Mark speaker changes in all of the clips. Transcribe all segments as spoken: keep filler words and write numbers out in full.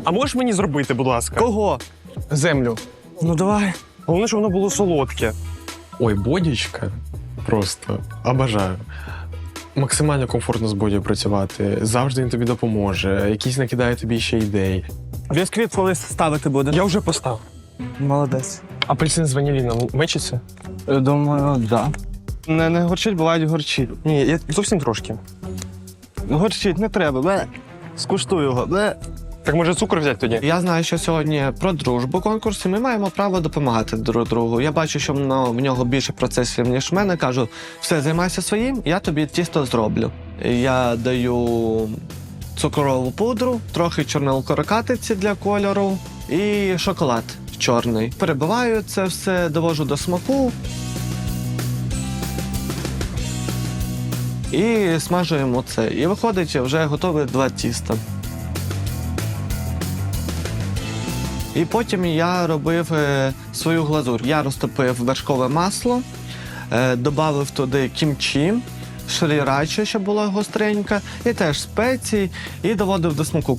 Speaker 1: А можеш мені зробити, будь ласка?
Speaker 2: Кого?
Speaker 1: Землю.
Speaker 2: Ну давай.
Speaker 1: Головне, щоб воно було солодке.
Speaker 3: Ой, бодічка. Просто обожаю. Максимально комфортно з боді працювати. Завжди він тобі допоможе. Якісь накидає тобі ще ідей.
Speaker 2: Бісквіт колись ставити буде.
Speaker 1: Я вже поставив.
Speaker 2: Молодець.
Speaker 1: Апельсин з ваніліном мечиться?
Speaker 2: Думаю, да. Не, не горчить, бувають горчить.
Speaker 1: Ні, я зовсім трошки.
Speaker 2: Горчить не треба. Бе. Скуштуй його. Бе.
Speaker 1: Так може цукор взяти тоді?
Speaker 4: Я знаю, що сьогодні про дружбу конкурс, і ми маємо право допомагати друг другу. Я бачу, що в нього більше процесів, ніж в мене. Кажу, все, займайся своїм, я тобі тісто зроблю. Я даю цукрову пудру, трохи чорнилкорокатиці для кольору і шоколад чорний. Перебиваю це все, довожу до смаку. І смажуємо це. І виходить вже готові два тіста. І потім я робив е, свою глазур. Я розтопив вершкове масло, е, додав туди кімчі, шрірачі, щоб була гостренька, і теж спеції, і доводив до смаку.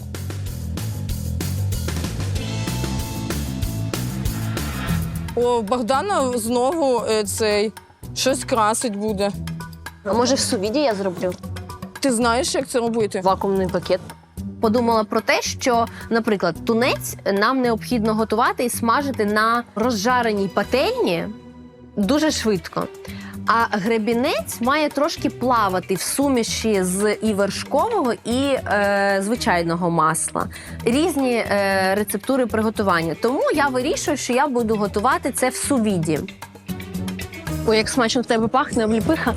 Speaker 5: О, Богдана знову е, цей щось красить буде.
Speaker 6: А може в сувіді я зроблю?
Speaker 5: Ти знаєш, як це робити?
Speaker 6: Вакуумний пакет. Подумала про те, що, наприклад, тунець нам необхідно готувати і смажити на розжареній пательні дуже швидко. А гребінець має трошки плавати в суміші з і вершкового, і е, звичайного масла. Різні е, рецептури приготування. Тому я вирішую, що я буду готувати це в сувіді. Ой, як смачно в тебе пахне, обліпиха.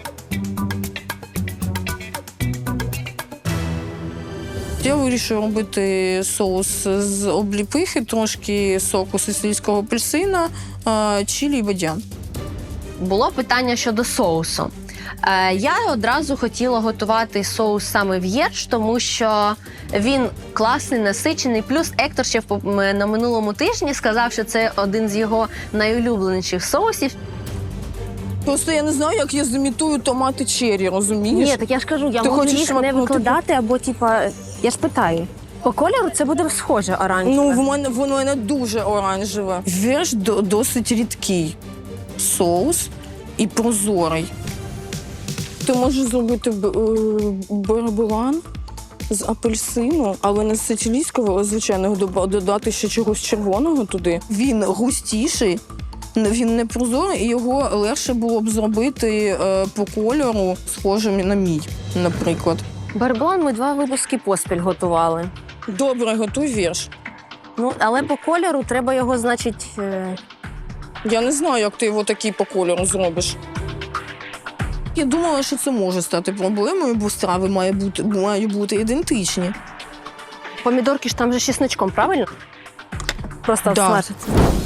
Speaker 5: Я вирішую робити соус з обліпихи, трошки соку сицилійського апельсина, е, чилі і бадян.
Speaker 6: Було питання щодо соусу. Е, я одразу хотіла готувати соус саме в'єрч, тому що він класний, насичений. Плюс Ектор ще в- на минулому тижні сказав, що це один з його найулюбленіших соусів.
Speaker 5: Просто я не знаю, як я зімітую томати черрі, розумієш?
Speaker 7: Ні, так я ж кажу, я
Speaker 5: Ти
Speaker 7: можу
Speaker 5: хочеш
Speaker 7: їх не
Speaker 5: шматнути?
Speaker 7: викладати, або типа, я ж питаю. По кольору це буде схоже оранжеве.
Speaker 5: Ну, в мене, воно мене дуже оранжеве. Вірш до, досить рідкий соус і прозорий. Ти можеш зробити барабулан з апельсину, але не з сицилійського, а звичайного, доба- додати ще чогось червоного туди. Він густіший, він не прозорий, і його легше було б зробити е, по кольору, схожим на мій, наприклад.
Speaker 7: Барбон ми два випуски поспіль готували.
Speaker 5: Добре, готуй вірш.
Speaker 7: Ну, але по кольору треба його, значить, е,
Speaker 5: Я не знаю, як ти його такий по кольору зробиш. Я думала, що це може стати проблемою, бо страви мають бути, мають бути ідентичні.
Speaker 7: помідорки ж там же з чесничком, правильно? Просто
Speaker 5: Да.
Speaker 7: смажаться.